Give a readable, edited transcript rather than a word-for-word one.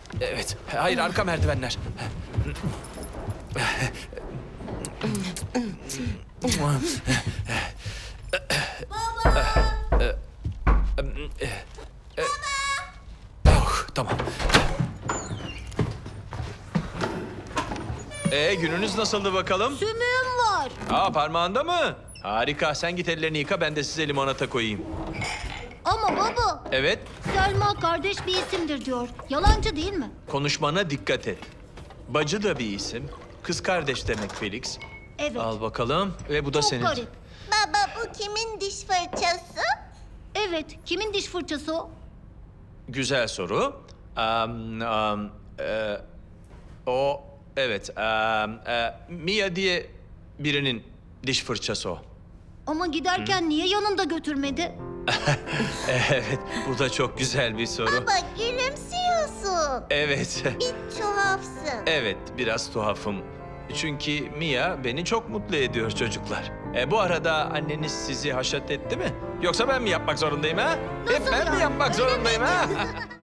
Evet. Hayır, arka merdivenler. Oh, tamam. Gününüz nasıldı bakalım? Sümüğüm var. Parmağında mı? Harika. Sen git ellerini yıka, ben de size limonata koyayım. Ama baba, Evet, Selma kardeş bir isimdir diyor. Yalancı değil mi? konuşmana dikkat et. Bacı da bir isim. Kız kardeş demek Felix. Evet. Al bakalım ve bu da Çok senin. garip. Baba bu kimin diş fırçası? Evet, kimin diş fırçası o? Güzel soru. O, evet. Mia diye birinin diş fırçası o. Ama giderken niye yanında götürmedi? Evet, bu da çok güzel bir soru. Baba gülümsüyorsun. Evet, Bir tuhafsın. evet, biraz tuhafım. Çünkü Mia beni çok mutlu ediyor çocuklar. Bu arada anneniz sizi haşat etti mi? Yoksa ben mi yapmak zorundayım ha? Hep Nasıl ben mi yani? yapmak zorundayım ha?